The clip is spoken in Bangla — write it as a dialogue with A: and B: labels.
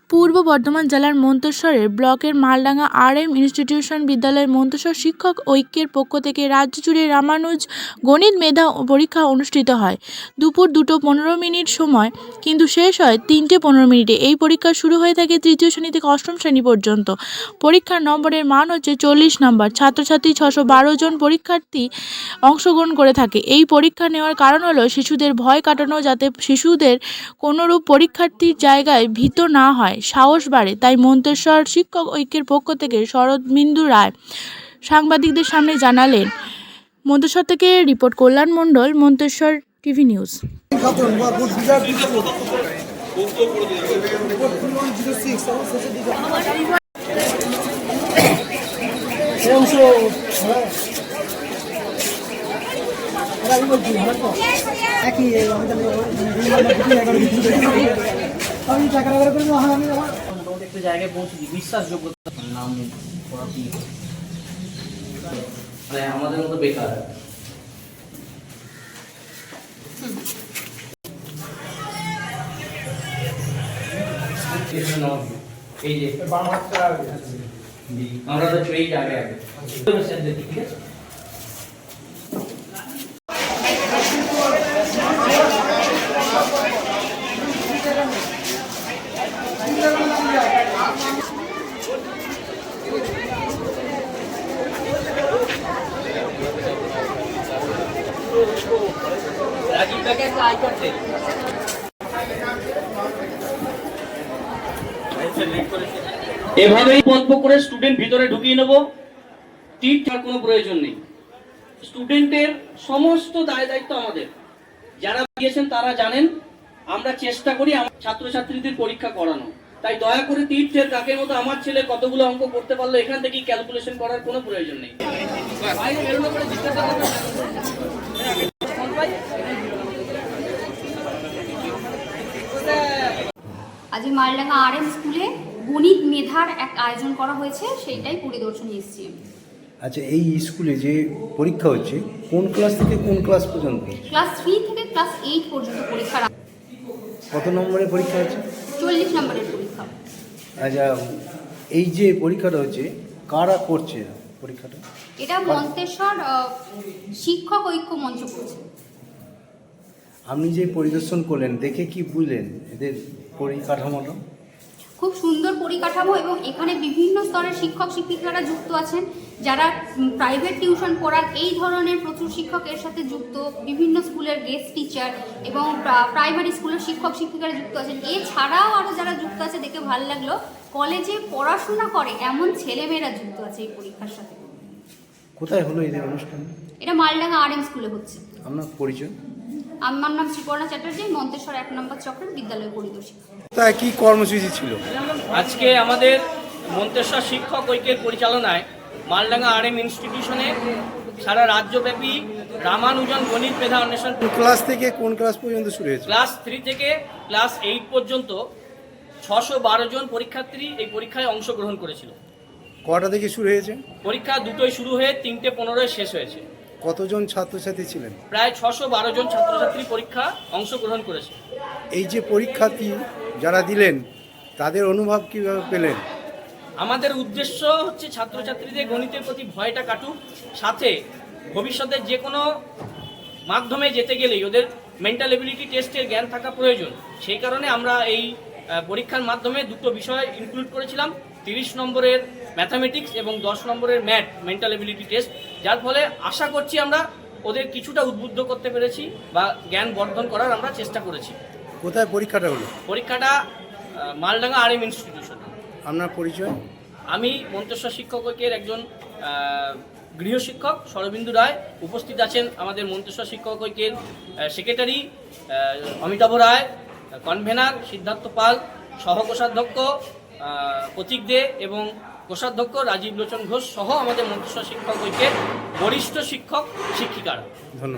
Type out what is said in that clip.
A: পূর্ব বর্ধমান জেলার মন্তেশ্বরের ব্লকের মালডাঙ্গা RM ইনস্টিটিউশন বিদ্যালয়ের মন্তেশ্বর শিক্ষক ঐক্যের পক্ষ থেকে রাজ্য জুড়ে রামানুজ গণিত মেধা পরীক্ষা অনুষ্ঠিত হয়। দুপুর 2:15 সময় কিন্তু শেষ হয় 3:15। এই পরীক্ষা শুরু হয়ে থাকে তৃতীয় শ্রেণী থেকে অষ্টম শ্রেণী পর্যন্ত। পরীক্ষার নম্বরের মান হচ্ছে 40 নম্বর। ছাত্রছাত্রী 612 জন পরীক্ষার্থী অংশগ্রহণ করে থাকে। এই পরীক্ষা নেওয়ার কারণ হলো শিশুদের ভয় কাটানো, যাতে শিশুদের কোনোরূপ পরীক্ষার্থীর জায়গায় ভীত না হয়, সাহস বাড়ে। তাই মন্তেশ্বর শিক্ষক ঐক্যের পক্ষ থেকে শরদিন্দু রায় সাংবাদিকদের সামনে জানালেন। মন্তেশ্বর থেকে report Kalyan Mondal, Manteswar TV news.
B: একটা জায়গায় পৌঁছেছি, বিশ্বাসযোগ্যতা নাম মানে আমাদের মতো বেকার। এই যে আমরা তো এই আগে আগে ঠিক আছে। এভাবেই গল্প করে স্টুডেন্ট ভিতরে ঢুকিয়ে নেব। টিচার কোনো প্রয়োজন নেই। স্টুডেন্টের সমস্ত দায় দায়িত্ব আমাদের। যারা দিয়েছেন তারা জানেন আমরা চেষ্টা করি আমার ছাত্রছাত্রীদের পরীক্ষা করানো। তাই দয়া করে তীর্থের কাকের মতো আমার ছেলে কতগুলো অঙ্ক করতে পারলো এখান থেকে ক্যালকুলেশন করার কোনো প্রয়োজন নেই।
C: আজ মালডাঙ্গা RM স্কুলে গণিত মেধার এক আয়োজন করা হয়েছে, সেইটাই পরিদর্শনে এসেছি।
D: আচ্ছা, এই স্কুলে যে পরীক্ষা হচ্ছে কোন ক্লাস থেকে কোন ক্লাস পর্যন্ত?
C: ক্লাস 3 থেকে ক্লাস 8 পর্যন্ত পরীক্ষা।
D: কত নম্বরের পরীক্ষা হচ্ছে?
C: 40 নম্বরের পরীক্ষা।
D: আচ্ছা, এই যে পরীক্ষাটা হচ্ছে কারা করছে পরীক্ষাটা?
C: এটা মন্তেশ্বর শিক্ষক ঐক্য মঞ্চ করছে।
D: আপনি যে পরিদর্শন করলেন, দেখে কি বুঝলেন এদের পরিকাঠামোটা?
C: খুব সুন্দর পরিকাঠামো, এবং এখানে বিভিন্ন স্তরের শিক্ষক শিক্ষিকারা যুক্ত আছেন, যারা প্রাইভেট টিউশন পড়ান। এই ধরনের প্রচুর শিক্ষক এর সাথে যুক্ত, বিভিন্ন স্কুলের গেস্ট টিচার এবং প্রাইমারি স্কুলের শিক্ষক শিক্ষিকারা যুক্ত আছেন। এছাড়াও আরও যারা যুক্ত আছে দেখে ভালো লাগলো, কলেজে পড়াশোনা করে এমন ছেলেমেয়েরা যুক্ত আছে এই পরীক্ষার সাথে।
D: কোথায় হলো এদের অনুষ্ঠান?
C: এটা মালডাঙ্গা RM স্কুলে হচ্ছে।
D: আপনার পরিচয়?
C: আমার নাম শ্রীপর্ণা চ্যাটার্জি, মন্তেশ্বর 1 নম্বর চক্রের বিদ্যালয় পরিদর্শিকা।
D: তা কি কর্মসূচি ছিল
B: আজকে? আমাদের মন্তেশ্বর শিক্ষক ঐক্যের পরিচালনায় মালডাঙ্গা RM ইনস্টিটিউশনে সারা রাজ্যব্যাপী রামানুজন গণিত মেধা অন্বেষণ।
D: ক্লাস থেকে কোন ক্লাস পর্যন্ত শুরু হয়েছে?
B: ক্লাস 3 থেকে ক্লাস 8 পর্যন্ত 612 জন পরীক্ষার্থী এই পরীক্ষায় অংশগ্রহণ করেছিল।
D: কটা থেকে শুরু হয়েছে?
B: পরীক্ষা 2টোয় শুরু হয়ে 3:15 শেষ হয়েছে।
D: কতজন ছাত্রছাত্রী ছিলেন?
B: প্রায় 612 জন ছাত্রছাত্রী পরীক্ষা অংশগ্রহণ করেছে।
D: এই যে পরীক্ষার্থী যারা দিলেন তাদের অনুভব কিভাবে পেলেন?
B: আমাদের উদ্দেশ্য হচ্ছে ছাত্রছাত্রীদের গণিতের প্রতি ভয়টা কাটুক, সাথে ভবিষ্যতে যে কোনো মাধ্যমে যেতে গেলেই ওদের মেন্টাল এবিলিটি টেস্টের জ্ঞান থাকা প্রয়োজন। সেই কারণে আমরা এই পরীক্ষার মাধ্যমে দুটো বিষয় ইনক্লুড করেছিলাম, 30 নম্বরের ম্যাথামেটিক্স এবং 10 নম্বরের ম্যাথ মেন্টাল এবিলিটি টেস্ট, যার ফলে আশা করছি আমরা ওদের কিছুটা উদ্বুদ্ধ করতে পেরেছি বা জ্ঞান বর্ধন করার আমরা চেষ্টা করেছি।
D: কোথায় পরীক্ষাটা হলো?
B: পরীক্ষাটা মালডাঙ্গা RM ইনস্টিটিউশন।
D: আপনার পরিচয়?
B: আমি মন্তেশ্বর শিক্ষক ঐক্যের একজন গৃহশিক্ষক শরদিন্দু রায়। উপস্থিত আছেন আমাদের মন্তেশ্বর শিক্ষক ঐক্যের সেক্রেটারি অমিতাভ রায়, কনভেনার সিদ্ধার্থ পাল, সহকোষাধ্যক্ষ প্রতীক দে এবং কোষাধ্যক্ষ রাজীব লোচন ঘোষ সহ আমাদের মন্তেশ্বর শিক্ষক ঐক্যের বরিষ্ঠ শিক্ষক শিক্ষিকারা।
D: ধন্যবাদ।